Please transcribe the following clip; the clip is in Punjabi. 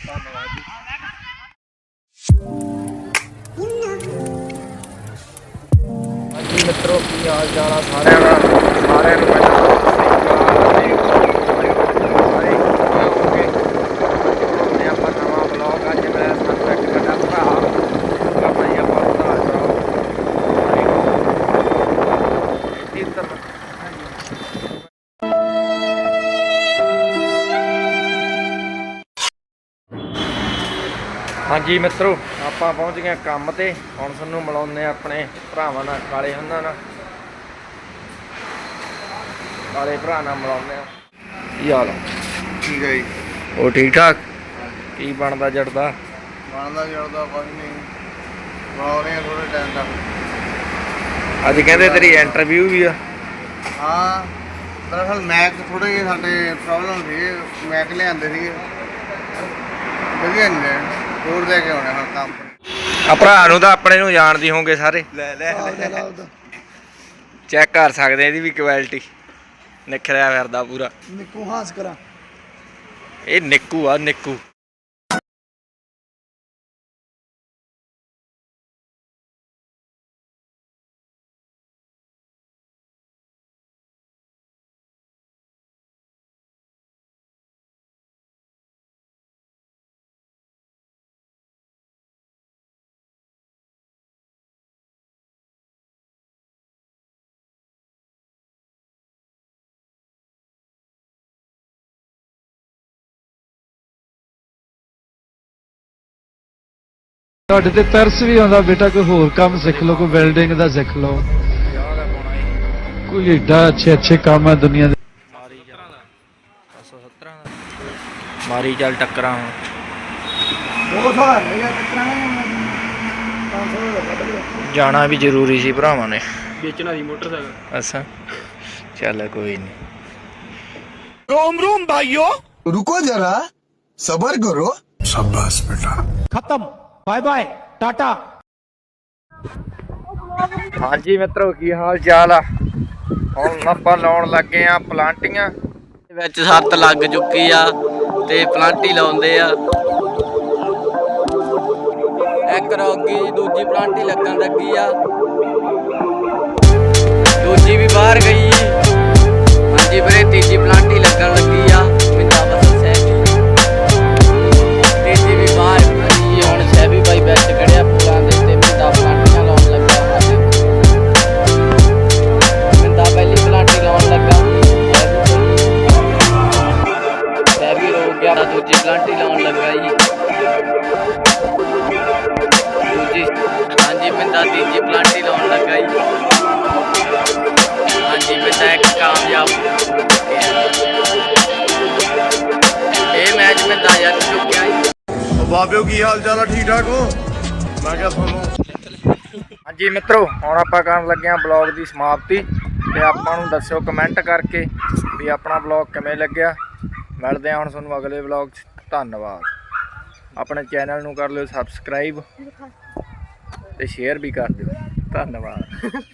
ਧੰਨਵਾਦ ਜੀ। ਹਾਂਜੀ ਮਿੱਤਰੋ, ਕੀ ਹਾਲ ਚਾਲ ਆ ਸਾਰਿਆਂ ਦਾ। ਸਾਰਿਆਂ ਨੂੰ ਪਹਿਲਾਂ ਆਪਾਂ ਨਵਾਂ ਬਲੌਗ। ਅੱਜ ਮੈਂ ਸਾਨੂੰ ਇੱਕ ਸਾਡਾ ਭਰਾ ਆਪਾਂ ਜੀ ਆਪਾਂ ਵਧਾ ਚੜਾਓ ਹਾਂਜੀ ਮਿੱਤਰੋ, ਆਪਾਂ ਪਹੁੰਚ ਗਏ ਕੰਮ ਤੇ। ਹੁਣ ਤੁਹਾਨੂੰ ਮਿਲਾਉਂਦੇ ਆਪਣੇ ਭਰਾਵਾਂ ਨਾਲ, ਕਾਲੇ ਉਹਨਾਂ ਨਾਲ, ਕਾਲੇ ਭਰਾ ਨਾਲ ਮਿਲਾਉਂਦੇ ਆ। ਕੀ ਹਾਲ ਆ? ਠੀਕ ਹੈ ਜੀ। ਉਹ ਠੀਕ ਠਾਕ? ਕੀ ਬਣਦਾ ਜੜਦਾ? ਬਣਦਾ ਜੜਦਾ ਕੁਝ ਨਹੀਂ, ਬਣਾ ਰਹੇ ਥੋੜੇ ਟਾਈਮ ਤੱਕ। ਅੱਜ ਕਹਿੰਦੇ ਤੇਰੀ ਇੰਟਰਵਿਊ ਵੀ ਆ। ਹਾਂ, ਦਰਅਸਲ ਮੈਕ ਥੋੜੇ ਜਿਹੇ ਸਾਡੇ ਪ੍ਰੋਬਲਮ ਸੀ, ਮੈਕ ਲਿਆਂਦੇ ਸੀਗੇ ਵਧੀਆ ਨਹੀਂ ਰਹੇ, ਹੋਰ ਲੈ ਕੇ ਆਉਣੇ ਹੁਣ ਕੰਮ। ਆ ਭਰਾ ਨੂੰ ਤਾਂ ਆਪਣੇ ਨੂੰ ਜਾਣਦੇ ਹੋਗੇ ਸਾਰੇ। ਲੈ ਚੈੱਕ ਕਰ ਸਕਦੇ ਇਹਦੀ ਵੀ ਕੁਆਲਿਟੀ। ਨਿਖਰਿਆ ਫਿਰਦਾ ਪੂਰਾ। ਨਿੱਕੂ ਹਾਸ ਕਰਾਂ, ਇਹ ਨਿੱਕੂ ਆ, ਨਿੱਕੂ। ਤੁਹਾਡੇ ਤੇ ਤਰਸ ਵੀ ਆਉਂਦਾ ਬੇਟਾ, ਕੋਈ ਹੋਰ ਕੰਮ ਸਿੱਖ ਲਓ, ਕੋਈ ਵੈਲਡਿੰਗ ਦਾ ਸਿੱਖ ਲਓ, ਕੋਈ ਏਡਾ ਅੱਛੇ ਕੰਮ ਹੈ ਦੁਨੀਆ ਦੇ। ਮਾਰੀ ਚੱਲ 517 ਦਾ ਮਾਰੀ ਚੱਲ ਟੱਕਰਾਂ ਹੁਣ। 200 ਜਾਣਾ ਵੀ ਜ਼ਰੂਰੀ ਸੀ ਭਰਾਵਾਂ ਨੇ। ਵੇਚਣਾ ਸੀ ਮੋਟਰਸਾਈਕਲ। ਅੱਛਾ ਚੱਲ ਕੋਈ ਨਹੀਂ। रोम रोम भाइयों, रुको जरा सबर करो। शाबाश बेटा। ਖਤਮ, ਬਾਏ ਬਾਏ, ਟਾਟਾ। ਹਾਂਜੀ ਮਿੱਤਰੋ, ਕੀ ਹਾਲ ਚਾਲ ਆ? ਹੁਣ ਆਪਾਂ ਲਾਉਣ ਲੱਗੇ ਆ ਪਲਾਂਟੀਆਂ। ਵਿੱਚ ਸੱਤ ਲੱਗ ਚੁੱਕੀ ਆ ਤੇ ਪਲਾਂਟੀ ਲਾਉਂਦੇ ਆ। ਇੱਕ ਰੋਗੀ ਦੂਜੀ ਪਲਾਂਟੀ ਲੱਗਣ ਲੱਗੀ ਆ, ਦੂਜੀ ਵੀ ਬਾਹਰ ਗਈ। ਹਾਂਜੀ ਵੀਰੇ, ਤੀਜੀ ਪਲਾਂਟੀ ਲੱਗਣ ਲੱਗੀ ਆ। ਮਿੰਦਾ ਬਸ ਸਹਿਬੀ, ਤੀਜੀ ਵੀ ਬਾਹਰ ਗਈ। ਹੁਣ ਸਹਿਬੀ ਬਾਈ ਵਿੱਚ ਖੜਿਆ ਪੂਲਾਂ ਦੇ ਤੇ ਮਿੰਦਾ ਪਲਾਂਟੀਆਂ ਲਾਉਣ ਲੱਗਾ। ਮਿੰਦਾ ਪਹਿਲੀ ਪਲਾਂਟੀ ਲਾਉਣ ਲੱਗਾ, ਸਹਿਬੀ ਰੋ ਗਿਆ। ਦੂਜੀ ਪਲਾਂਟੀ ਲਾਉਣ ਲੱਗਾ ਜੀ, ਦੂਜੀ। ਹਾਂਜੀ ਮਿੰਦਾ ਤੀਜੀ ਪਲਾਂਟੀ ਲਾਉਣ ਲੱਗਾ ਜੀ। ਹਾਂਜੀ ਮਿੰਦਾ ਇੱਕ ਕਾਮਯਾਬ। ਇਹ ਮੈਚ ਮਿੰਦਾ ਜਿੱਤ ਚੁੱਕਿਆ ਜੀ। ਬਾਬਿਓ ਕੀ ਹਾਲ ਚਾਲ ਆ? ਠੀਕ ਠਾਕ ਹੋ? ਮੈਂ ਕਿਹਾ ਤੁਹਾਨੂੰ। ਹਾਂਜੀ ਮਿੱਤਰੋ, ਹੁਣ ਆਪਾਂ ਕਰਨ ਲੱਗੇ ਆ ਬਲੌਗ ਦੀ ਸਮਾਪਤੀ। ਤੇ ਆਪਾਂ ਨੂੰ ਦੱਸਿਓ ਕਮੈਂਟ ਕਰਕੇ ਵੀ ਆਪਣਾ ਬਲੌਗ ਕਿਵੇਂ ਲੱਗਿਆ। ਮਿਲਦੇ ਆ ਹੁਣ ਤੁਹਾਨੂੰ ਅਗਲੇ ਬਲੌਗ 'ਚ। ਧੰਨਵਾਦ। ਆਪਣੇ ਚੈਨਲ ਨੂੰ ਕਰ ਲਿਓ ਸਬਸਕ੍ਰਾਈਬ ਤੇ ਸ਼ੇਅਰ ਵੀ ਕਰ ਦਿਓ। ਧੰਨਵਾਦ।